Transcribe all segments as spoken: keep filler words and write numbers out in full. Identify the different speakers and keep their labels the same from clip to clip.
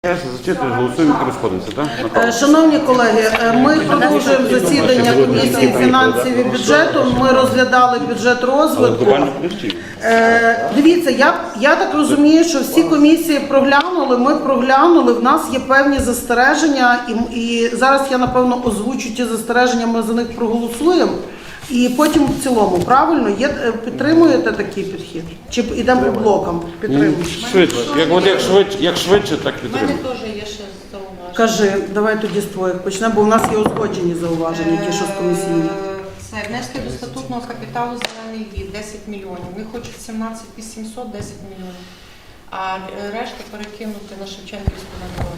Speaker 1: Зачитуєш, голосуємо і розходимося, так?
Speaker 2: Шановні колеги, ми продовжуємо засідання комісії фінансів і бюджету. Ми розглядали бюджет розвитку. Е, дивіться, я, я так розумію, що всі комісії проглянули, ми проглянули, в нас є певні застереження, і, і зараз я, напевно, озвучу ті застереження, ми за них проголосуємо. І потім в цілому, правильно? Є, підтримуєте такий підхід? Чи йдемо по блокам? Підтримуємо.
Speaker 1: Швидше. Як, от, як, швидше, як швидше, так
Speaker 3: У
Speaker 1: підтримуємо.
Speaker 3: мене теж є ще зауваження.
Speaker 2: Кажи, давай тоді з твоїх почнемо, бо у нас є узгоджені зауваження, ті, що з комісійні.
Speaker 3: Це внески до статутного капіталу «Зелений від» десять мільйонів. Вони хочуть сімнадцять тисяч вісімсот, десять мільйонів. А решта перекинути на Шевченківську дорогу.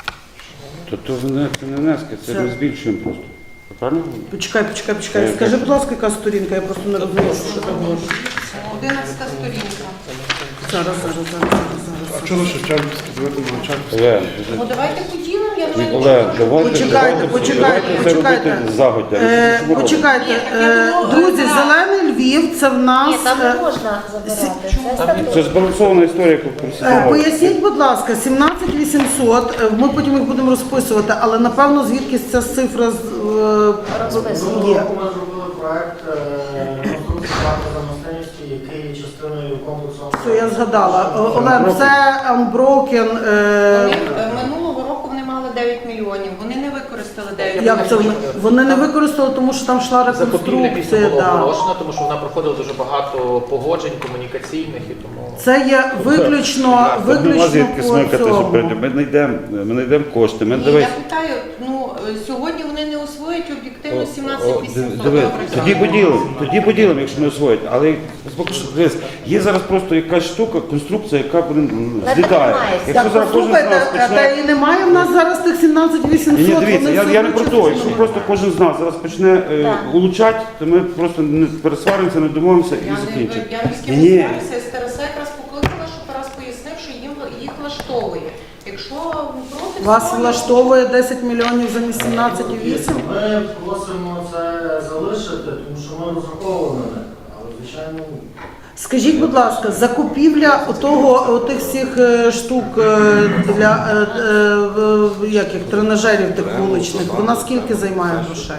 Speaker 1: То, то це не внески, це ми збільшуємо просто. Правильно?
Speaker 2: Почекай, почекай, почекай. Скажи, будь ласка, яка сторінка, я просто не розумію, що ти говориш.
Speaker 3: Одинадцята сторінка.
Speaker 2: Зараз, зараз, зараз, зараз.
Speaker 4: А чого Шевченківський давайте навчатися?
Speaker 1: Олег,
Speaker 3: Ну давайте поділимо, я вже...
Speaker 1: Олег, давайте,
Speaker 2: Почекайте,
Speaker 1: давайте,
Speaker 2: почекайте,
Speaker 1: давайте це
Speaker 2: почекайте.
Speaker 1: робити загодя.
Speaker 2: Е,
Speaker 1: Що ми робимо?
Speaker 2: почекайте, е, друзі, Зелений Львів, це в нас...
Speaker 5: Ні, там не
Speaker 2: е,
Speaker 5: можна забирати. Це статут.
Speaker 1: Це збалансована історія, яку
Speaker 2: Е,
Speaker 1: просимо.
Speaker 2: Поясніть, будь ласка, сімнадцять вісімсот, е, ми потім їх будемо розписувати, але напевно звідки ця цифра з- е,
Speaker 5: Розписуємо.
Speaker 2: є.
Speaker 6: Ми зробили проект конструкції парку замостинності, який є частиною комплексу.
Speaker 2: Що я згадала. О, Олен, це Unbroken.
Speaker 3: Вони,
Speaker 2: Е,
Speaker 3: е, минулого року вони мали дев'ять мільйонів. Вони не використали дев'ять
Speaker 2: як це
Speaker 3: мільйонів.
Speaker 2: вони? Вони не використали, тому що там йшла
Speaker 7: Закупівля після
Speaker 2: реконструкція.
Speaker 7: було
Speaker 2: Да.
Speaker 7: оголошено, тому що вона проходила дуже багато погоджень комунікаційних і тому.
Speaker 2: Це є виключно,
Speaker 1: Нема
Speaker 2: виключно
Speaker 1: звідки
Speaker 2: по
Speaker 1: смикати, що
Speaker 2: цьому.
Speaker 1: прийде. Ми знайдемо, ми знайдемо кошти. Ми
Speaker 3: Ні,
Speaker 1: дивись.
Speaker 3: я питаю, ну е, сьогодні вони не освоїть об'єктивно сімнадцять
Speaker 1: О,
Speaker 3: вісімсот.
Speaker 1: диви,
Speaker 3: Добре,
Speaker 1: тоді
Speaker 3: так.
Speaker 1: поділимо, тоді поділимо, якщо не освоїть. Але поки що, дивись, є зараз просто якась штука, конструкція, яка блин,
Speaker 5: Не
Speaker 1: злітає.
Speaker 5: тримається.
Speaker 1: Якщо
Speaker 2: Так,
Speaker 1: зараз кожен з
Speaker 2: послухайте,
Speaker 1: нас
Speaker 2: та
Speaker 1: почне...
Speaker 2: і немає в нас зараз тих сімнадцять
Speaker 1: Ні,
Speaker 2: вісімсот.
Speaker 1: ні, дивіться,
Speaker 2: вони
Speaker 1: я,
Speaker 2: все
Speaker 1: я не про
Speaker 2: виключно
Speaker 1: то. Якщо
Speaker 2: змінюють.
Speaker 1: просто кожен з нас зараз почне е,
Speaker 5: Так.
Speaker 1: улучшати, то ми просто не пересваримося, не домовимося
Speaker 3: Я
Speaker 1: і
Speaker 3: не,
Speaker 1: закінчимо.
Speaker 3: я ні з ким
Speaker 1: Ні.
Speaker 3: не сварюся, СТРС якраз покликала, щоб Тарас пояснив, що їм їх влаштовує. Якщо проти
Speaker 2: Вас
Speaker 3: всього,
Speaker 2: влаштовує десять мільйонів замість сімнадцять вісім?
Speaker 6: Ми просимо це залишити, тому що ми розраховували на них, але звичайно ні.
Speaker 2: Скажіть, будь ласка, закупівля отого, отих всіх е, штук е, для е, е, в- як їх, тренажерів тих вуличних, вона скільки займає грошей?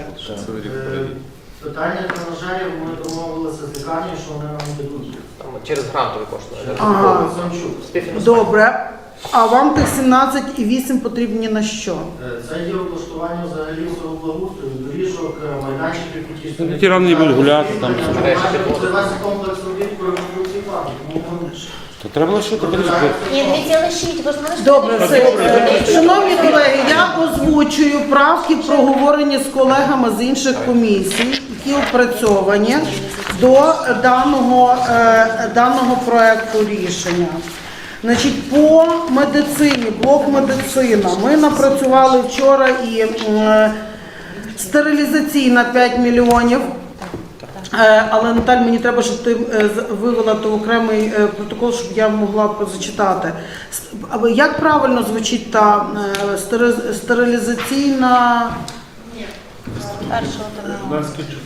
Speaker 6: Е, Питання тренажерів ми домовилися з лікарнею, що вони нам дадуть.
Speaker 7: Там через грантові кошти.
Speaker 2: Ага.
Speaker 6: Самчук.
Speaker 7: Співфінансування.
Speaker 2: Добре. А вам тих сімнадцять і вісім потрібні на що?
Speaker 6: Е, Це є облаштування взагалі всього благоустрою, доріжок, е, майданчиків, які
Speaker 1: Ну, ті равно не будуть гуляти, там все.
Speaker 6: Це весь комплекс робіт по реконструкції парку. Тому ми
Speaker 1: То треба лишити, подивіться.
Speaker 5: Ні, дивіться, лишіть, ви ж знаєте,
Speaker 2: Добре, все. Е, Шановні колеги, я озвучую правки, проговорені з колегами з інших комісій, які опрацьовані до даного, е, даного проекту рішення. Значить, по медицині, блок медицина, ми напрацювали вчора і е, стерилізаційна п'ять мільйонів. Е, Але, Наталь, мені треба, щоб ти е, з- вивела то окремий е, протокол, щоб я могла зачитати. С- а Як правильно звучить та е, стери- стерилізаційна...
Speaker 5: першого там.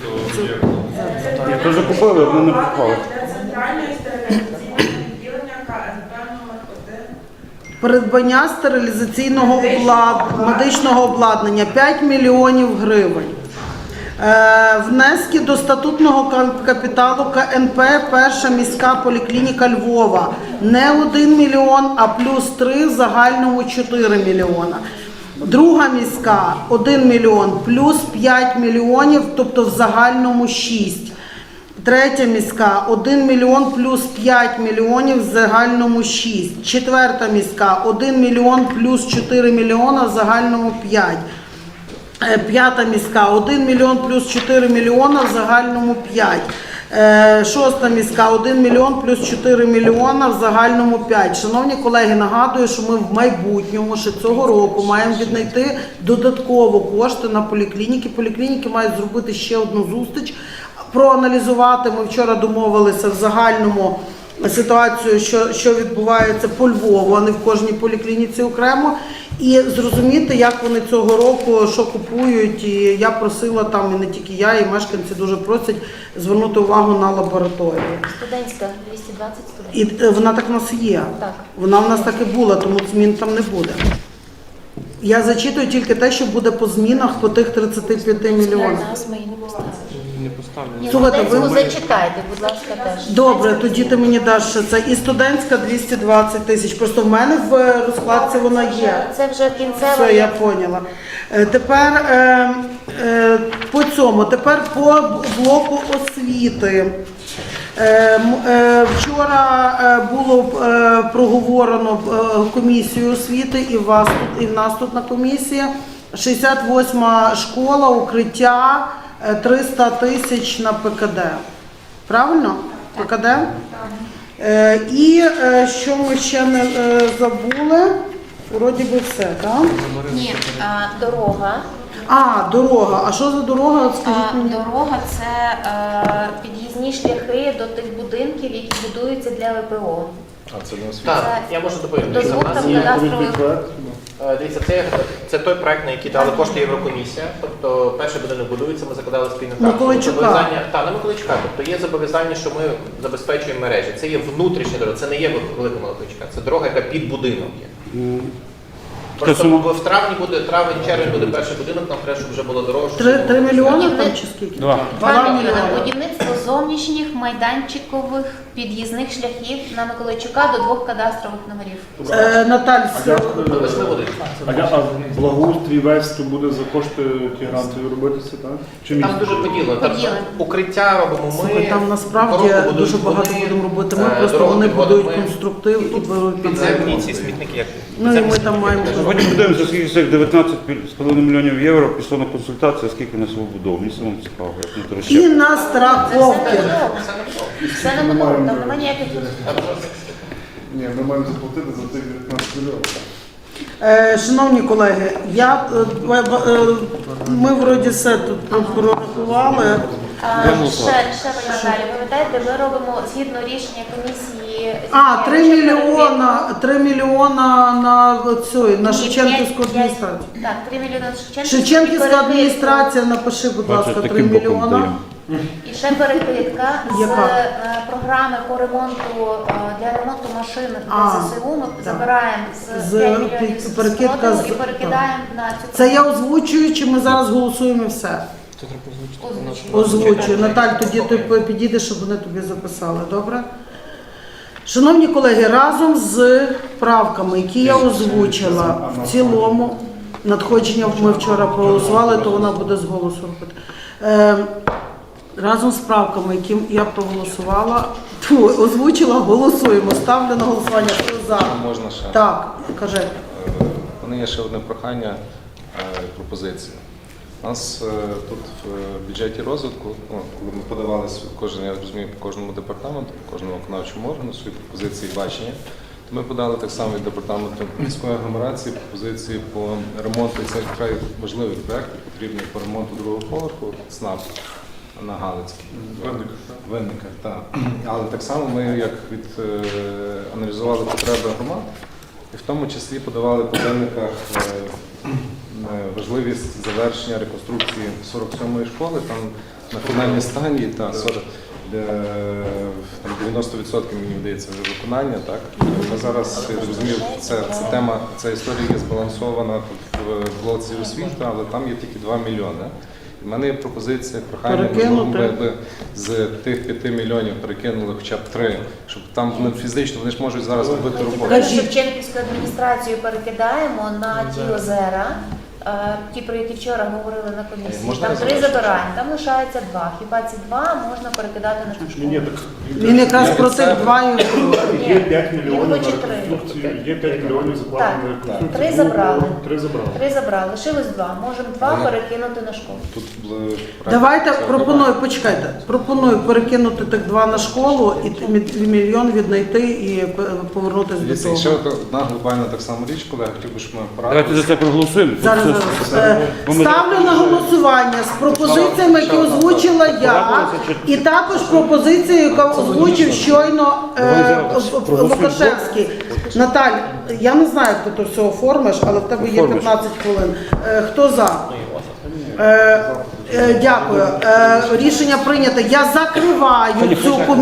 Speaker 1: Я теж купили, вони не попали.
Speaker 8: Для центральної стерилізаційного відділення КНП номер один.
Speaker 2: Придбання стерилізаційного облад... медичного обладнання п'ять мільйонів гривень. Е, Внески до статутного кап- капіталу КНП «Перша міська поліклініка Львова» не один мільйон, а плюс три, в загальному чотири мільйона. Друга міська – один мільйон, плюс п'ять мільйонів, тобто в загальному шість. Третя міська – один мільйон плюс п'ять мільйонів, в загальному шість. Четверта міська – один мільйон плюс чотири мільйона, в загальному п'ять. Е, П'ята міська – один мільйон плюс чотири мільйона, в загальному п'ять. Е, Шоста міська – один мільйон плюс чотири мільйона, в загальному п'ять. Шановні колеги, нагадую, що ми в майбутньому, ще цього року, маємо віднайти додатково кошти на поліклініки. Поліклініки мають зробити ще одну зустріч, проаналізувати. Ми вчора домовилися в загальному ситуацію, що, що відбувається по Львову, а не в кожній поліклініці окремо. І зрозуміти, як вони цього року, що купують. І я просила там, і не тільки я, і мешканці дуже просять звернути увагу на лабораторію.
Speaker 5: Студентська, двісті двадцять студентів.
Speaker 2: І е, вона так в нас є.
Speaker 5: Так.
Speaker 2: Вона в нас так і була, тому змін там не буде. Я зачитую тільки те, що буде по змінах по тих тридцяти п'яти мільйонах.
Speaker 5: Нас ми і не поставили.
Speaker 4: Не поставлю.
Speaker 5: Ні,
Speaker 2: Слухайте, ви-
Speaker 5: студентську зачитайте, будь ласка, теж.
Speaker 2: Добре, тоді ти мені даш ще це. І студентська двісті двадцять тисяч. Просто в мене в розкладці вона є.
Speaker 5: Це вже кінцева.
Speaker 2: Все, я поняла. Е, Тепер е, е, по цьому, тепер по блоку освіти. Е, м- е, Вчора е, було е, проговорено е, комісією освіти і в вас тут, і в нас тут на комісії. шістдесят восьма школа, укриття, е, триста тисяч на ПКД. Правильно? ПКД? Е, І е, що ми ще не е, забули? Вроді би все, так?
Speaker 5: Ні, а, дорога.
Speaker 2: А, дорога. А що за дорога? Скажіть
Speaker 5: А,
Speaker 2: мені.
Speaker 5: дорога це е, під'їзні шляхи до тих будинків, які будуються для ВПО.
Speaker 4: А це не освіта.
Speaker 7: Так, я можу доповісти.
Speaker 5: До
Speaker 7: Дивіться, в
Speaker 5: двох
Speaker 7: нас
Speaker 5: там
Speaker 7: є
Speaker 5: кадастрових.
Speaker 7: Е, Дивіться, це, це той проект, на який дали кошти Єврокомісія. Тобто перший будинок будується, ми закладали спільну карту.
Speaker 2: Миколайчука.
Speaker 7: Зобов'язання- Та, на Миколайчука. Тобто є зобов'язання, що ми забезпечуємо мережі. Це є внутрішня дорога, це не є велика Миколайчука, це дорога, яка під будинок є. Просто
Speaker 1: сума?
Speaker 7: в травні буде, травень, червень буде перший будинок, нам треба, щоб вже було дорожче.
Speaker 2: Три, три мільйони
Speaker 5: Ні,
Speaker 2: там
Speaker 5: не-
Speaker 2: чи скільки?
Speaker 1: Два.
Speaker 2: Два
Speaker 5: Два мільйони.
Speaker 2: мільйони.
Speaker 5: Будівництво зовнішніх майданчикових під'їзних шляхів на Миколайчука до двох кадастрових номерів.
Speaker 2: Е, Наталь,
Speaker 7: До восьми будинків.
Speaker 4: А, я- а благоустрій весь то буде за кошти ті грантові робитися, так? Чи
Speaker 7: Там
Speaker 4: місто?
Speaker 7: дуже поділено. Там
Speaker 5: Поділено.
Speaker 7: укриття робимо ми.
Speaker 2: слухай, там насправді
Speaker 7: дорогу будують
Speaker 2: дуже багато
Speaker 7: вони,
Speaker 2: будемо робити. Ми
Speaker 7: е,
Speaker 2: просто
Speaker 7: дорогу
Speaker 2: вони
Speaker 7: підводимо
Speaker 2: будують
Speaker 7: ми.
Speaker 2: конструктив і беруть під
Speaker 7: Підземні ці смітники, як
Speaker 2: Ну і ми там маємо.
Speaker 1: Сьогодні подивимося, скільки з цих дев'ятнадцять з половиною мільйонів євро пішло на консультацію, а скільки на новобудову. Мені самому цікаво, як на
Speaker 2: І
Speaker 1: трощі.
Speaker 2: на
Speaker 5: Це все
Speaker 2: страховки.
Speaker 5: не будова. Все не будова, там немає ніяких.
Speaker 4: Ні, ми маємо заплатити за тих дев'ятнадцять мільйонів.
Speaker 2: Е, Шановні колеги, я, е, е, е, ми вроді все тут прорахували.
Speaker 5: А, ще, ще ви, Наталі, пам'ятаєте, ми робимо згідно рішення комісії.
Speaker 2: А, три
Speaker 5: ще
Speaker 2: мільйона, три мільйона на цю, на
Speaker 5: Ні,
Speaker 2: Шевченківську
Speaker 5: п'ять-
Speaker 2: адміністрацію.
Speaker 5: п'ять- Так, три мільйони на Шевченківську.
Speaker 2: Шевченківська
Speaker 5: і перекидку.
Speaker 2: адміністрація, напиши, будь ласка,
Speaker 1: Бачите,
Speaker 2: три
Speaker 1: таким боком
Speaker 2: мільйона.
Speaker 1: даємо.
Speaker 5: І ще перекидка з
Speaker 2: Яка?
Speaker 5: е, програми по ремонту е, для ремонту машин
Speaker 2: А,
Speaker 5: для ЗСУ. Ми
Speaker 2: так.
Speaker 5: забираємо з
Speaker 2: З
Speaker 5: п'ять мільйонів з
Speaker 2: перекидка
Speaker 5: розходу
Speaker 2: з-
Speaker 5: і перекидаємо на цю
Speaker 2: Це я озвучую, чи ми зараз голосуємо і все?
Speaker 5: озвучку.
Speaker 2: Озвучую. Наталь, тоді ти підійдеш, щоб вони тобі записали, добре? Шановні колеги, разом з правками, які я озвучила, в цілому надходження ми вчора проголосували, то вона буде з голосу робити. Е, разом з правками, які я проголосувала, тьфу, озвучила, голосуємо. Ставлю на голосування. Хто за?
Speaker 9: Можна ще.
Speaker 2: Так, кажи.
Speaker 9: Е, У мене є ще одне прохання, е, пропозиція. У нас е, тут в бюджеті розвитку, ну, коли ми подавалися кожен, я розумію, по кожному департаменту, по кожному виконавчому органу свої пропозиції і бачення, то ми подали так само від департаменту міської агломерації пропозиції по ремонту. І це вкрай важливий проект, потрібний по ремонту другого поверху СНАП на Галицькій.
Speaker 4: Винниках, так?
Speaker 9: Винниках, так. Але так само ми як від, е, аналізували потреби громад, і в тому числі подавали по винниках е, е, важливість завершення реконструкції сорок сьомої школи, там на фінальній стадії, та сорок, де, там дев'яносто відсотків, мені здається, вже виконання. Так? Ми зараз, я розумію, це, це тема, ця історія є збалансована тут в блоці освіти, але там є тільки два мільйони. У мене є пропозиція, прохання, можливо,
Speaker 2: Перекинути.
Speaker 9: ми би з тих п'яти мільйонів перекинули хоча б три, щоб там вони фізично вони ж можуть зараз робити роботу.
Speaker 5: Ми Шевченківську адміністрацію перекидаємо на ті озера, е, ті, про які вчора говорили на комісії.
Speaker 9: Можна
Speaker 5: Там три
Speaker 9: завершити?
Speaker 5: забираємо, там лишається два. Хіба ці два можна перекидати на цю
Speaker 4: Ні, ні,
Speaker 5: школу?
Speaker 4: так.
Speaker 2: Він якраз
Speaker 9: Я
Speaker 2: про
Speaker 9: від
Speaker 2: тих
Speaker 9: себе.
Speaker 2: два і
Speaker 4: Є п'ять
Speaker 5: Ні,
Speaker 4: мільйонів на
Speaker 5: хоче три.
Speaker 4: реконструкцію, є п'ять мільйонів закладено на
Speaker 5: Так,
Speaker 4: реконструкцію.
Speaker 5: три забрали.
Speaker 4: Три забрали.
Speaker 5: Три забрали, лишилось два. Можемо два
Speaker 9: Ага.
Speaker 5: перекинути на школу.
Speaker 9: Тут е,
Speaker 2: Давайте
Speaker 9: це
Speaker 2: пропоную, почекайте. Пропоную перекинути тих два на школу і т- мі- мільйон віднайти і п- повернутися до
Speaker 9: Дивіться, і ще
Speaker 2: того.
Speaker 9: одна глобальна так само річ, коли я хотів би, щоб ми
Speaker 1: Давайте за
Speaker 9: порадилися.
Speaker 1: це проголосуємо.
Speaker 2: Зараз,
Speaker 1: Це-
Speaker 2: зараз.
Speaker 1: це-
Speaker 2: Е,
Speaker 1: бо ми-
Speaker 2: Ставлю на голосування з пропозиціями, які озвучила я, і також пропозицію, яку озвучив щойно е, Лукашевський. Наталь, я не знаю, як ти то все оформиш, але в тебе є
Speaker 1: Оформиш.
Speaker 2: п'ятнадцять хвилин. Е, Хто за? Е, е, Дякую. Е, Рішення прийнято. Я закриваю цю комісію.